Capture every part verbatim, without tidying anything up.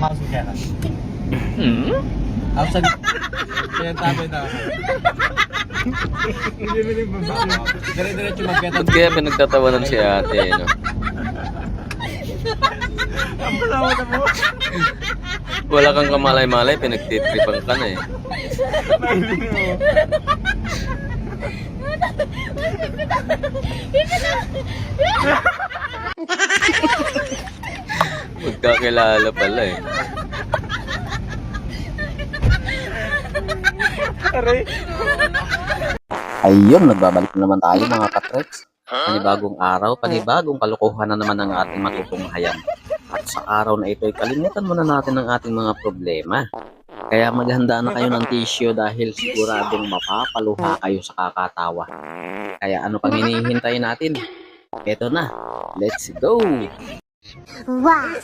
pumasok kaya na. Hmm? Ako sabi, kaya tabi na ako. Dire-diretso magkita. Ba't kaya pinagtatawanan si ate, no? Ang palawa na mo. Wala kang kamalay-malay, pinagtitripan ka na eh. Mahiling mo. Magkakilala pala eh. Aray. Ayun, nagbabalik na naman tayo mga katreks. Panibagong araw, panibagong kalokohan na naman ang ating matutunghayan. At sa araw na ito ay kalimutan muna natin ang ating mga problema. Kaya maghanda na kayo ng tissue dahil siguradong mapapaluha kayo sa kakatawa. Kaya ano pang hinihintay natin? Eto na, let's go! Wow!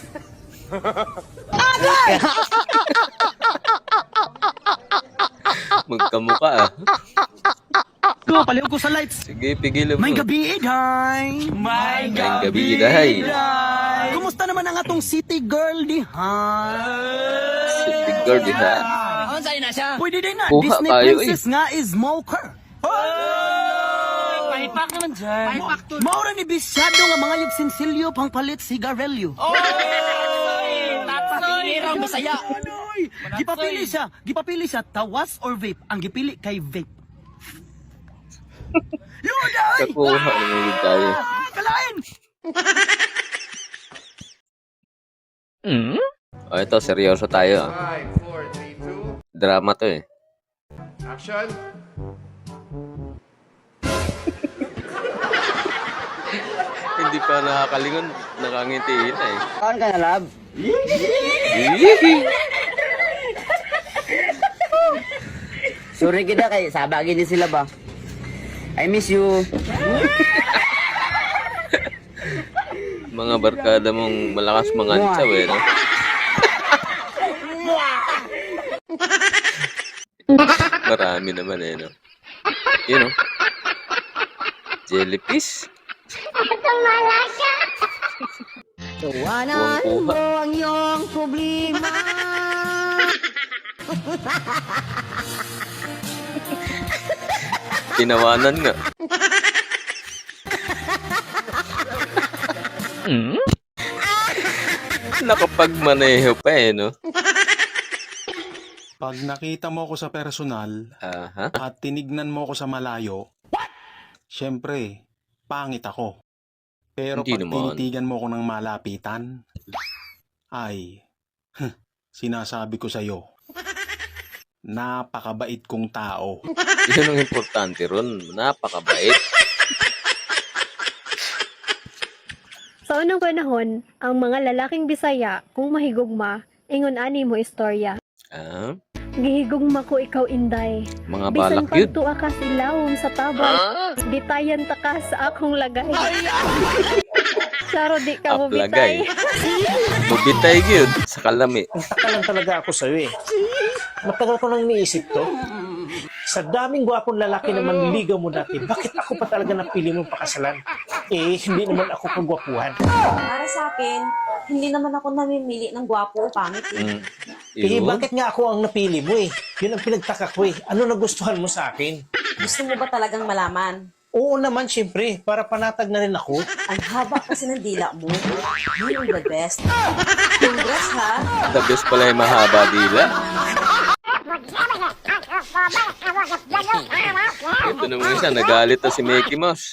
Magkamukha ah. Go, paliw ko sa lights. Sige, pigilan mo. May gabi, day. May May gabi, day. Kumusta naman ang atong city girl, di ha? City girl, di ha? Pwede din na, Kuha Disney tayo, princess nga is smoker. Paipak naman dyan. Paipak to. Maura ni bisyado nga mga yugsinsilyo pang palit sigarilyo. Tapos masaya. Anoy, gipapili siya, gipapili siya, tawas or vape. Ang gipili kay vape. Yun, ay! Kakuha naman tayo. Kalain! Hmm? O ito, seryoso tayo. ah. five, four, three, two, Drama to eh. action! Hindi pa nakakalingon, nakangitiin na eh. Saan ka na, lab? Hihihi. Sorry kita kay sabagin din sila ba? I miss you. Mga barkada mong malakas mangantsaw eh, no? Marami naman eh, no? Yun, no? Jellyfish. Tawanan Buwang mo kuha. ang iyong problema. Tinawanan nga. Hmm? Nakapagmaneho pa eh, no? Pag nakita mo ako sa personal Aha. at tinignan mo ako sa malayo, syempre, pangit ako. Pero Hindi pag naman. tinitigan mo ako ng malapitan, ay, sinasabi ko sa'yo, napakabait kong tao. Yun ang importante ron. Napakabait. Sa unang panahon, ang mga lalaking Bisaya, kung mahigugma, ingon ani mo istorya. Ah, Gihigugma ko ikaw inday. mga Bisan balak yun. pagtua ka silawom sa tabang, bitayan ta ka sa akong lagay. Saro di ka mo Aplagay. bitay. Bubitay yun sa kalami. Taka lang talaga ako sa'yo eh. Matagal ko nang iniisip to. Sa daming gwapong lalaki na manliligaw mo dati, bakit ako pa talaga napili mong pakasalan? Eh, hindi naman ako kagwapuhan. Para sa akin, hindi naman ako namimili ng gwapo o pangit eh. Mm. Eh, Yun. bakit nga ako ang napili mo eh? Yun ang pinagtaka ko eh. Ano nagustuhan mo sa akin? Gusto mo ba talagang malaman? Oo naman, syempre, para panatag na rin ako. Ang haba kasi ng dila mo. Yun ang the best. Congrats ha! The best pala yung mahaba dila. Ito naman siya, nagalit na si Mickey Mouse.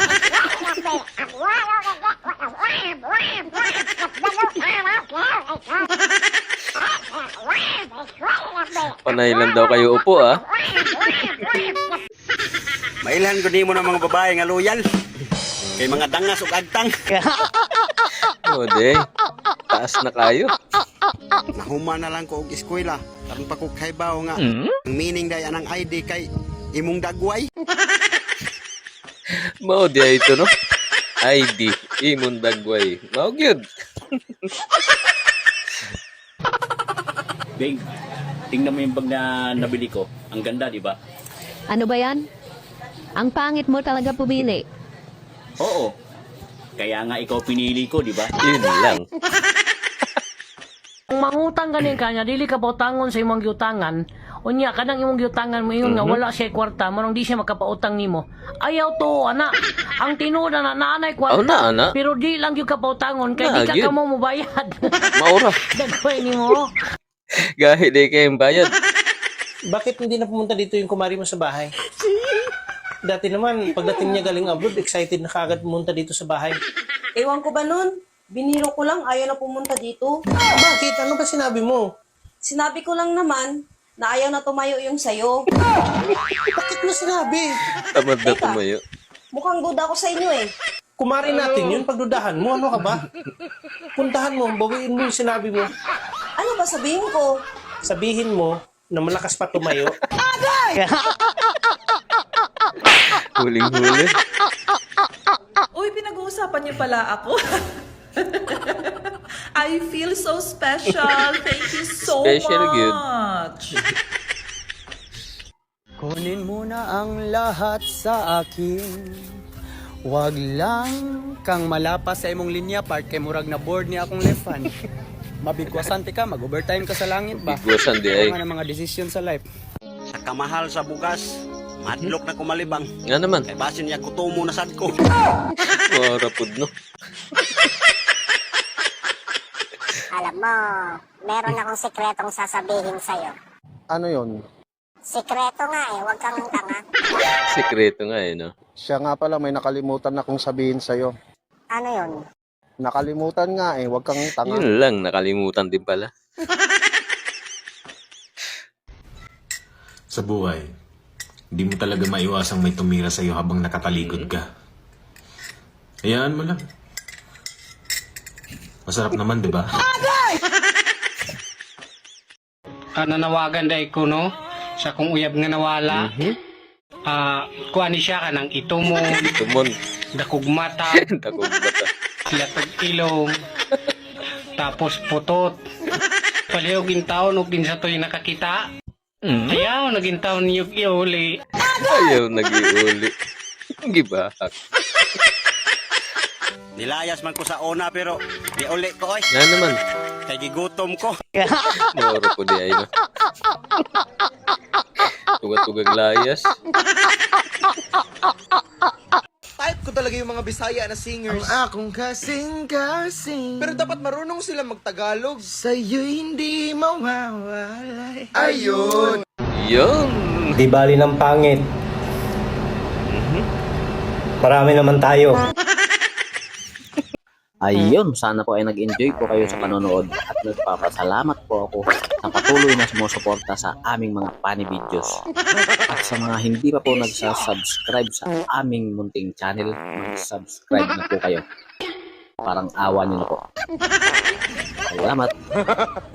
Panay lang daw kayo upo ah. Mailan ko di mo ng mga babae nga loyal. Kay mga dangas ug agtang. O de, taas na kayo. Nahuma na lang ko og eskwela. Karon pa ko kaybaw nga. Hmm? Ang meaning day anang I D kay imong dagway. Mao di ito no. I D, imong dagway. Mao gyud. Bing, tingnan mo yung bag na nabili ko. Ang ganda, di ba? Ano ba yan? Ang pangit mo talaga pumili. Oo. Kaya nga ikaw pinili ko, di ba? Yun lang. kung mangutang ganin kanya, dili ka pautangon sa imong giutangan, unya kanang imong giutangan mo ingon nga wala siya kwarta, manong di siya makapautang nimo. Ayaw to, ana. Ang tinuod na nanay kwarta. Oh, na, ana. Pero di lang gyud ka pautangon kay Na, di ka gyud. kamo mobayad. Maura. Dagway nimo. Gahi di kayong bayad. Bakit hindi na pumunta dito yung kumari mo sa bahay? Dati naman, pagdating niya galing abroad, excited na kagad pumunta dito sa bahay. Ewan ko ba nun? Biniro ko lang, ayaw na pumunta dito. Bakit? Ano ba sinabi mo? Sinabi ko lang naman na ayaw na tumayo yung sayo. Bakit mo sinabi? Tamad na Teka. tumayo. Mukhang good ako sa inyo eh. Kumari natin yun, pagdudahan mo, ano ka ba? Puntahan mo, bawiin mo yung sinabi mo. Ano ba sabihin ko? Sabihin mo na malakas pa tumayo. Huling-huli. Uy, pinag-uusapan niyo pala ako. I feel so special. Thank you so Special good. much. Kunin mo na ang lahat sa akin. Wag lang kang malapas sa imong linya part kay murag na board ni akong lefan. Mabigwasan ti ka, mag-overtime ka sa langit ba? Bigwasan di ay. Mga mga desisyon sa life. Sa kamahal sa bugas, madlok na kumalibang. Nga naman. Kay basin niya kutumo na sad ko. Maura pud no. Alam mo, meron akong sikretong sasabihin sa'yo. Ano yon? Sikreto nga eh, huwag kang tanga. Sikreto nga eh, no? Siya nga pala may nakalimutan akong sabihin sa'yo. Ano yun? Nakalimutan nga eh, wag kang Yun lang, nakalimutan din pala. Sa buhay, hindi mo talaga maiwasang may tumira sa'yo habang nakatalikod ka. Hayaan mo lang. Masarap naman, di ba? Ah, nanawagan day ko no sa kung uyab nga nawala. Ah, kuha ni siya kanang itumon, Tumon. dakog mata, Takog bata. latag ilong, tapos putot. Palihog in taon ug din sa toy nakakita. Ayaw naging taon niyog iuli. Ayaw nag-iuli. Gibahak. Nilayas man ko sa una pero di uli ko oy. Nga naman. Kay gigutom ko. Maura po di ay, no? Tugat-tugang layas. Type ko talaga yung mga Bisaya na singers. Ang akong kasing-kasing. Pero dapat marunong sila magtagalog. Sa'yo'y hindi mawawalay. Ayun! Yun. Di bali ng pangit. Marami naman tayo. Ayun, sana po ay nag-enjoy po kayo sa panonood at nagpapasalamat po ako sa patuloy na sumusuporta sa aming mga funny videos. At sa mga hindi pa po nagsasubscribe sa aming munting channel, mag-subscribe na po kayo. Parang awa nyo na po. Salamat!